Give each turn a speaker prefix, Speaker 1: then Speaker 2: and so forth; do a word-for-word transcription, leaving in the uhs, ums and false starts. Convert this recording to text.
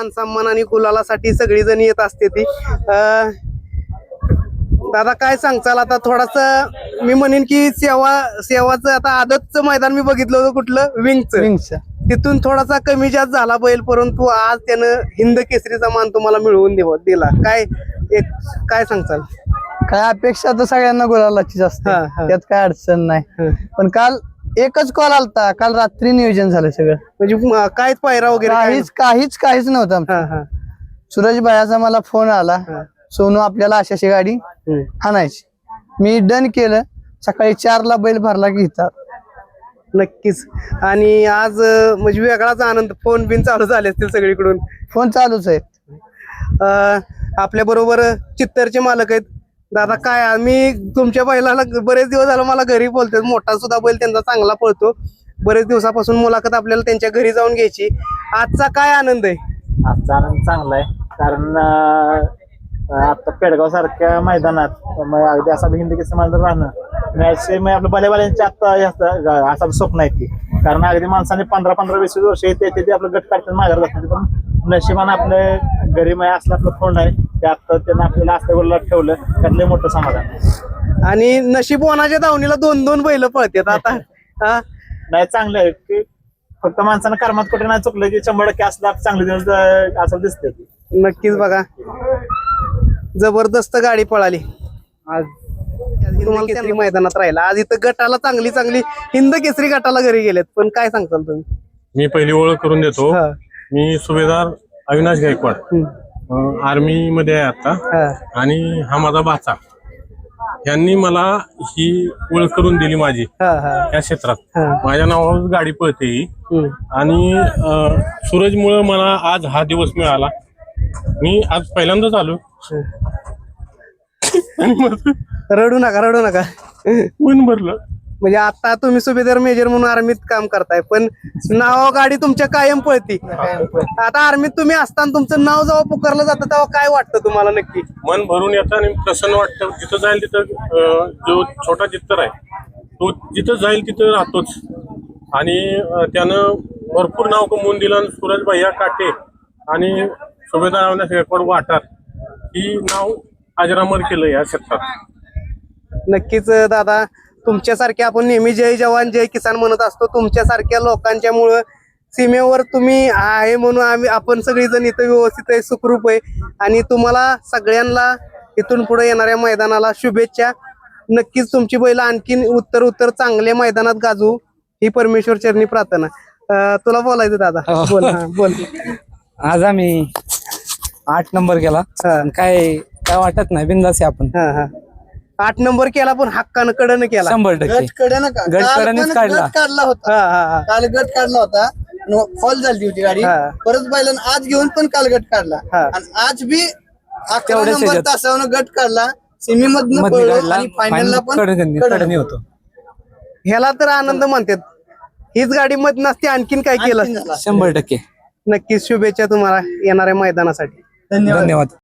Speaker 1: मान सन्मान आणि गुलालासाठी सगळी जण येत असते ती. अं, दादा काय सांगचाल आता थोडासा मी म्हणेन की सेवा सेवाचं आता आदतचं मैदान मी बघितलं होतं कुठलं विंगचं
Speaker 2: विंगचं
Speaker 1: तिथून थोडासा कमी जास्त झाला बैल परंतु आज त्यानं हिंद केसरीचा मान तुम्हाला मिळवून देव दिला काय एक काय सांगचाल?
Speaker 2: काय अपेक्षा तर सगळ्यांना गुलालाचीच असते,
Speaker 1: हा, हा.
Speaker 2: त्यात काय अडचण नाही. पण काल एकच कॉल आलता, काल रात्री नियोजन झालं सगळं,
Speaker 1: म्हणजे म- काय पायरा वगैरे काय
Speaker 2: काहीच काहीच काहीच नव्हतं आमचं.
Speaker 1: हा, हा.
Speaker 2: सूरज भायाचा मला फोन आला,
Speaker 1: हा.
Speaker 2: सोनू आपल्याला अशाशी गाडी
Speaker 1: हम्म.
Speaker 2: आणायची. मी डन केलं. सकाळी चारला बैल भरला की इथं
Speaker 1: नक्कीच. आणि आज अं, म्हणजे वेगळाच आनंद फोन बिन चालू झाले असतील सगळीकडून.
Speaker 2: फोन चालूच आहे.
Speaker 1: आपल्या बरोबर चित्तरचे मालक आहेत दादा. काय मी तुमच्या बैलाला बरेच दिवस झालं मला घरी बोलते, मोठा सुद्धा बैल त्यांचा चांगला पळतो, बरेच दिवसापासून मुलाखत आपल्याला त्यांच्या घरी जाऊन घ्यायची. आजचा काय आनंद आहे?
Speaker 3: आजचा आनंद चांगला आहे कारण अं, आता पेडगाव सारख्या मैदानात मग अगदी असा हिंदी केसरी मैदान राहणं मॅच आपलं भलेवाल्यांच्या आता असं स्वप्न आहे ती. कारण अगदी माणसाने पंधरा पंधरा वीस वीस वर्ष येते ते आपलं गट काढतात माघार जातात, पण नशिबानं आपलं घरी माय असलं आपलं फोन आहे ते आता त्यांना आपल्याला असल्या गोला ठेवलं त्यातलं मोठं समाधान.
Speaker 1: आणि नशीबवानाच्या दावणीला दोन दोन बैल पळतात आता. हा
Speaker 3: नाही चांगलं आहे की फक्त माणसानं कर्मात कुठे नाही चुकलं की शंभर टक्के असला चांगले दिवस अं, असं दिसते.
Speaker 1: नक्कीच बघा जबरदस्त गाडी पळाली आज तुम्हाला केसरी मैदानात राहिला. आज इथं गटाला चांगली चांगली हिंद केसरी गटाला घरी गेलेत, पण काय सांगताल तुम्ही?
Speaker 4: मी पहिली ओळख करून देतो.
Speaker 1: हा.
Speaker 4: मी सुभेदार अविनाश गायकवाड,
Speaker 1: हम्म.
Speaker 4: आर्मी मध्ये आहे आता,
Speaker 1: हा.
Speaker 4: आणि हा माझा भाचा. यांनी मला ही ओळख करून दिली माझी
Speaker 1: हा, हा.
Speaker 4: या क्षेत्रात.
Speaker 1: हा.
Speaker 4: माझ्या नावावर गाडी पळते ही.
Speaker 1: हम्म.
Speaker 4: आणि अं, सूरजमुळे मला आज हा दिवस मिळाला. मी आज पहिल्यांदाच आलो आणि माझं
Speaker 1: रडू नका रडू नका.
Speaker 4: मन भरलं.
Speaker 1: म्हणजे आता तुम्ही सुभेदार मेजर म्हणून आर्मीत काम करताय, पण नाव गाडी तुमच्या कायम पळती. आता आर्मीत तुम्ही असताना तुमचं नाव जेव्हा पुकारलं जातं तेव्हा काय वाटतं तुम्हाला नक्की?
Speaker 4: मन भरून येतं आणि प्रसन्न वाटतं. जिथं जाईल तिथं अं, जो छोटा चित्तर आहे तो जिथं जाईल तिथं राहतोच. आणि अं, त्यानं भरपूर नाव कमवून दिलं. आणि सूरज भैया काटे आणि सुभेदार अविनाश गायकवाड वाटार ही नाव अजरामर केलं या क्षेत्रात.
Speaker 1: नक्कीच दादा, तुमच्यासारख्या आपण नेहमी जय जवान जय किसान म्हणत असतो. तुमच्यासारख्या लोकांच्यामुळं सीमेवर तुम्ही आहे म्हणून आम्ही आपण सगळेजण इथं व्यवस्थित आहे, सुखरूप आहे. आणि तुम्हाला सगळ्यांना इथून पुढे येणाऱ्या मैदानाला शुभेच्छा. नक्कीच तुमची बैल आणखीन उत्तर उत्तर चांगल्या मैदानात गाजू ही परमेश्वर चरणी प्रार्थना. अं, तुला बोलायचं दादा? बोल. हा, बोल.
Speaker 5: आज आम्ही आठ नंबर केला.
Speaker 1: हा.
Speaker 5: काय काय वाटत नाही, बिंदास आहे आपण.
Speaker 1: हा, हा. आठ नंबर केला पण हक्कानं कडनं केला.
Speaker 5: शंभर टक्के
Speaker 2: गट कडे का
Speaker 5: गट
Speaker 2: काल
Speaker 5: कडेनेच
Speaker 2: पण
Speaker 5: काढला.
Speaker 2: गट काढला होता.
Speaker 1: हा, हा, हा.
Speaker 2: काल गट काढला होता, फॉल झाली होती गाडी.
Speaker 1: हा.
Speaker 2: परत बैलानं आज घेऊन पण काल गट काढला.
Speaker 1: हा.
Speaker 2: आणि आज बी अकरा
Speaker 5: तेवढ्याच
Speaker 2: नंबर
Speaker 5: ह्याच्यात.
Speaker 2: तासावनं गट काढला, सेमी मधनं
Speaker 5: मध्ये
Speaker 2: पळलो
Speaker 5: काढला,
Speaker 2: आणि फायनलला पण
Speaker 5: कडे
Speaker 2: कडनं.
Speaker 5: होतो.
Speaker 1: ह्याला तर आनंद म्हणतात. हीच गाडी मत नसते आणखीन काय केलं
Speaker 2: आणखीन
Speaker 1: असतं.
Speaker 2: झाला.
Speaker 5: शंभर टक्के
Speaker 1: नक्कीच शुभेच्छा तुम्हाला येणाऱ्या मैदानासाठी.
Speaker 2: धन्यवाद.
Speaker 5: धन्यवाद.